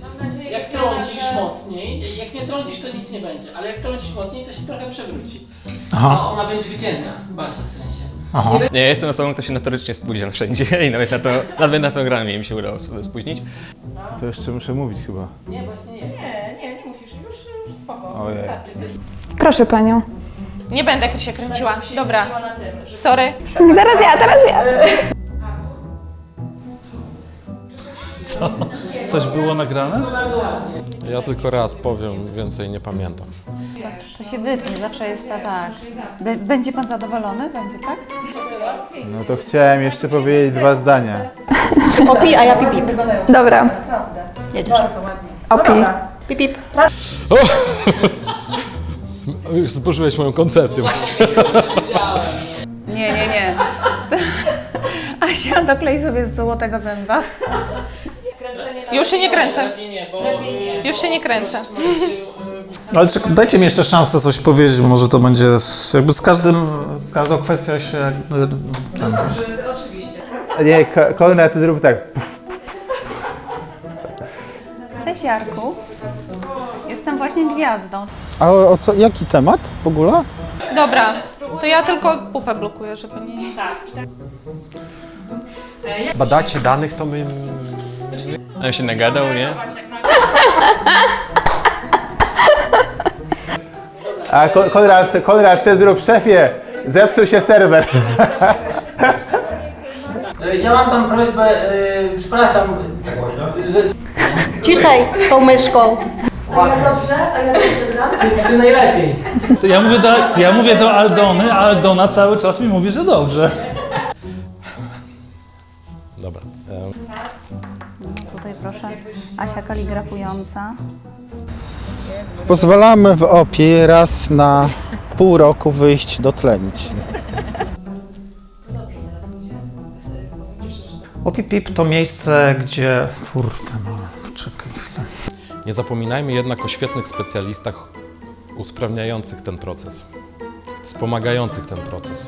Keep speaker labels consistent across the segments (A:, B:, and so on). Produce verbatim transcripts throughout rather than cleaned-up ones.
A: Jak trącisz mocniej, jak nie trącisz, to nic nie będzie, ale jak trącisz mocniej, to się trochę przewróci.
B: Aha.
A: A ona będzie wycięta, Basia w sensie.
B: Aha.
C: Nie, ja jestem osobą, kto się notorycznie spóźnia wszędzie i nawet na to, nawet na to granie mi się udało sobie spóźnić.
D: To jeszcze muszę mówić chyba.
A: Nie, właśnie nie.
E: Nie, nie, nie musisz, już, już spoko.
D: Ojej.
F: Proszę panią.
E: Nie będę się kręciła. Dobra. Sorry.
F: Teraz ja, teraz ja.
B: Coś było nagrane?
G: Ja tylko raz powiem, więcej nie pamiętam.
H: To się wytnie, zawsze jest ta, tak. B- będzie pan zadowolony? Będzie, tak?
D: No to chciałem jeszcze powiedzieć dwa zdania.
I: Opi, a ja pip, pip.
F: Dobra.
I: Jedziesz.
F: Opi.
I: Pip, pip.
G: Już zburzyłeś moją koncepcję.
H: Nie, nie, nie. Asia, doklej sobie z złotego zęba.
E: Już się nie kręcę.
A: Lepiej nie, bo...
E: Już się nie kręcę.
B: Ale czek- dajcie mi jeszcze szansę coś powiedzieć, może to będzie s- jakby z każdym, każdą kwestią się jakby...
D: Nie, Ko- Konrad, ty zrób tak.
H: Cześć Jarku. Jestem właśnie gwiazdą.
J: A o, o co, jaki temat w ogóle?
E: Dobra. To ja tylko pupę blokuję, żeby nie...
G: Badacie danych, to my...
C: A się nagadał, nie?
D: A Ko- Konrad, Konrad, ty zrób szefie. Zepsuł się serwer.
A: Ja mam tam prośbę, yy, przepraszam, że...
I: Ciszej tą myszką.
A: Ty, ty najlepiej.
B: Ja mówię, do, ja mówię do Aldony, a Aldona cały czas mi mówi, że dobrze.
G: Dobra.
H: Tutaj proszę. Asia kaligrafująca.
J: Pozwalamy w opie raz na pół roku wyjść dotlenić.
B: Opi Pip to miejsce, gdzie... Kurde, no, poczekaj chwilę.
G: Nie zapominajmy jednak o świetnych specjalistach usprawniających ten proces, wspomagających ten proces.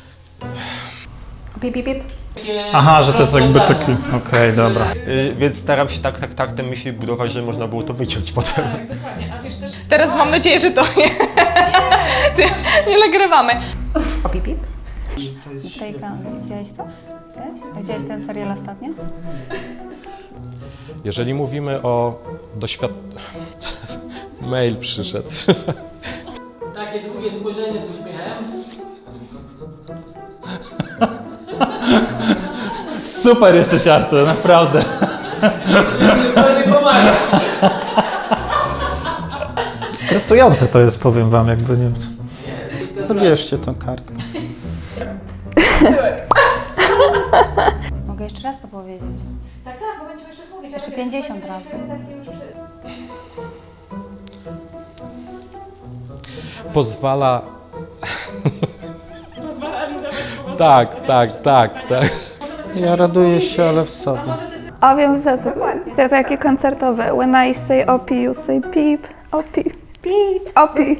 I: Pip, pip, pip.
B: Aha, że to jest jakby taki... Okej, dobra.
K: Yy, więc staram się tak, tak, tak te myśli budować, że można było to wyciąć potem.
E: Teraz mam nadzieję, że to nie... Ty, nie nagrywamy.
I: O, pip, pip.
H: Tutaj, widziałeś to? Widziałeś? Widziałeś ten serial ostatnio?
G: Jeżeli mówimy o doświad... Mail przyszedł.
A: Takie długie spojrzenie z uśmiechem.
B: Super jesteś, Artur, naprawdę.
A: To nie pomaga.
B: Stresujące to jest, powiem wam, jakby nie...
J: Zabierzcie tą kartkę.
H: Mogę jeszcze raz to powiedzieć.
I: Tak, tak, bo będziemy jeszcze mówić.
H: Jeszcze pięćdziesiąt razy.
G: Pozwala... Tak, tak, tak, tak.
J: Ja raduję się, ale w sobie.
F: O, wiem, to, to takie koncertowe. When I say opi, you say pip. Opi. Pip. Opi.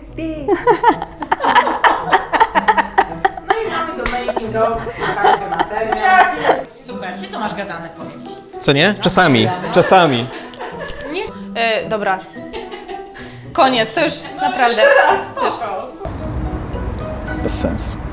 E: Super, ty to masz gadane, powiem ci.
C: Co nie? Czasami, czasami.
E: E, dobra. Koniec, to już naprawdę.
J: Bez sensu.